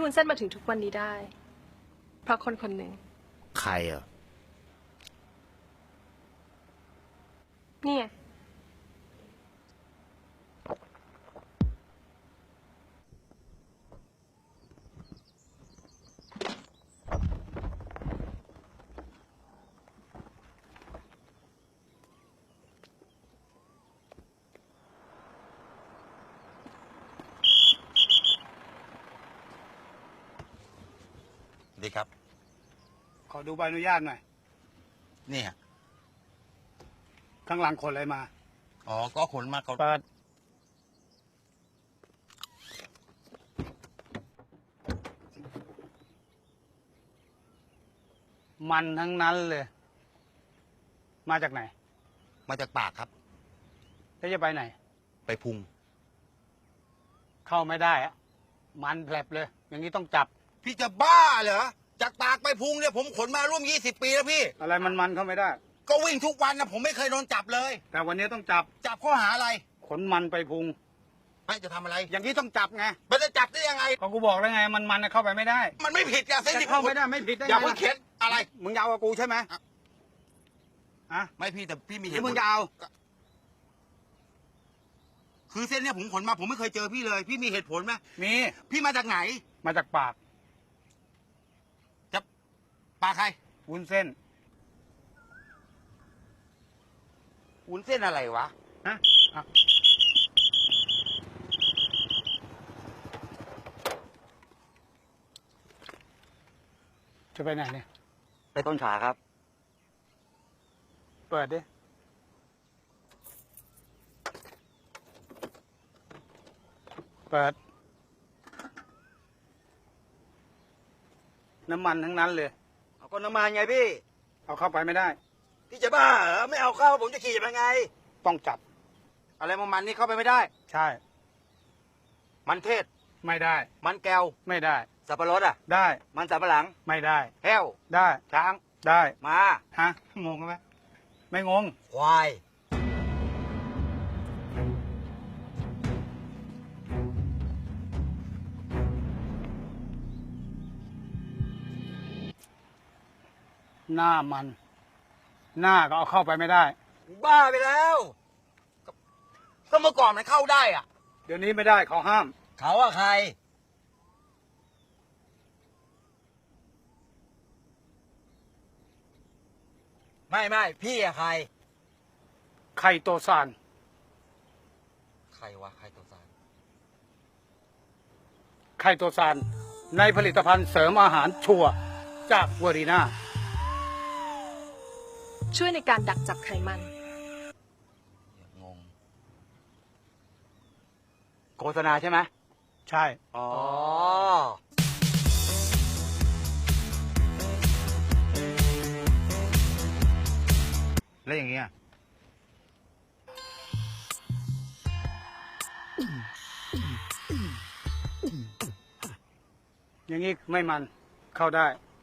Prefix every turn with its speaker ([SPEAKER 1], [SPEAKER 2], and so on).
[SPEAKER 1] วุ้นเส้นมาถึงทุกวันนี้ได้ เพราะคนคนหนึ่ง
[SPEAKER 2] ใครอ่ะ
[SPEAKER 1] นี่ไง
[SPEAKER 2] ดีครับ
[SPEAKER 3] ขอดูใบอนุญาตหน่อย
[SPEAKER 2] นี่ฮะ
[SPEAKER 3] ข้างหลังขนอะไรมา
[SPEAKER 2] อ๋อ ก็ขนมาเขา
[SPEAKER 3] เปิด มันทั้งนั้นเลย มาจากไหน
[SPEAKER 2] มาจากปากครับ
[SPEAKER 3] แล้วจะไปไหน
[SPEAKER 2] ไปพุง
[SPEAKER 3] เข้าไม่ได้อะมันแผลบเลย อย่างนี้ต้องจับ
[SPEAKER 2] พี่จะบ้าเหรอ จากปากไปพุงเนี่ยผมขนมาร่วม20 ปีแล้วพี่
[SPEAKER 3] อะไรมันเข้าไม่ได้
[SPEAKER 2] ก็วิ่งทุกวันนะผมไม่เคยโดนจับเลย
[SPEAKER 3] แต่วันนี้ต้องจับ
[SPEAKER 2] จับข้อหาอะไร
[SPEAKER 3] ขนมันไปพุง
[SPEAKER 2] ไม่จะทำอะไร
[SPEAKER 3] อย่างนี้ต้องจับไง
[SPEAKER 2] มันจะจับได้ยังไง
[SPEAKER 3] ก็กูบอกแล้วไง มันเข้าไปไม่ได้
[SPEAKER 2] มันไม่ผิดอะเส้น
[SPEAKER 3] จะ
[SPEAKER 2] ที่
[SPEAKER 3] เข้าไม่ได้ไม่ผิดได้ไง
[SPEAKER 2] อย่าเพิ่งเข็นอะไร
[SPEAKER 3] มึงยาวกับกูใช่ไหม
[SPEAKER 2] อ่ะ
[SPEAKER 3] อะ
[SPEAKER 2] ไม่พี่แต่พี่มี
[SPEAKER 3] ห
[SPEAKER 2] เห
[SPEAKER 3] รือ
[SPEAKER 2] ตุผ
[SPEAKER 3] มึ
[SPEAKER 2] ล
[SPEAKER 3] งจะเอา
[SPEAKER 2] คือเส้นเนี่ยผมขนมาผมไม่เคยเจอพี่เลย พี่มีเหตุผลไหม
[SPEAKER 3] มี
[SPEAKER 2] พี่มาจากไหน
[SPEAKER 3] มาจากปาก
[SPEAKER 2] จะปากใคร
[SPEAKER 3] วุ้นเส้น
[SPEAKER 2] วุ้นเส้นอะไรวะ
[SPEAKER 3] ฮะอ่ะจะไปไหนเนี่ย
[SPEAKER 2] ไปต้นขาครับ
[SPEAKER 3] เปิดดิ เปิด น้ำมันทั้งนั้นเลย
[SPEAKER 2] เอาก็น้ำมันไงพี่
[SPEAKER 3] เอาเข้าไปไม่ได้
[SPEAKER 2] พี่จะบ้าเหรอไม่เอาเข้าผมจะขี่ไปไง
[SPEAKER 3] ต้องจับ
[SPEAKER 2] อะไรมันนี่เข้าไปไม่ได้
[SPEAKER 3] ใช่
[SPEAKER 2] มันเทศ
[SPEAKER 3] ไม่ได้
[SPEAKER 2] มันแก้ว
[SPEAKER 3] ไม่ได้
[SPEAKER 2] สับปะรดอ่ะ
[SPEAKER 3] ได้
[SPEAKER 2] มันสับปะหลัง
[SPEAKER 3] ไม่ได้
[SPEAKER 2] แห้ว
[SPEAKER 3] ได้
[SPEAKER 2] ช้าง
[SPEAKER 3] ได้
[SPEAKER 2] มา
[SPEAKER 3] ฮะ งงไหม ไม่งง
[SPEAKER 2] ควาย
[SPEAKER 3] หน้ามัน หน้าก็เอาเข้าไปไม่ได้
[SPEAKER 2] บ้าไปแล้วก็เมื่อก่อนมันเข้าได้อ่ะ
[SPEAKER 3] เดี๋ยวนี้ไม่ได้เขาห้าม
[SPEAKER 2] เขาอะใคร ไม่พี่อะใคร
[SPEAKER 3] ไข่โตซาน
[SPEAKER 2] ใครวะใครตัวสาร
[SPEAKER 3] ไข่โตซาน ในผลิตภัณฑ์เสริมอาหารชัวร์จากเวอรีนา
[SPEAKER 1] ช่วยในการดักจับไขมัน
[SPEAKER 2] งงโฆษณาใช่ไหม
[SPEAKER 3] ใช่
[SPEAKER 2] อ๋อแล้วอย่างเงี้ย
[SPEAKER 3] อย่างนี้ไม่มันเข้าได้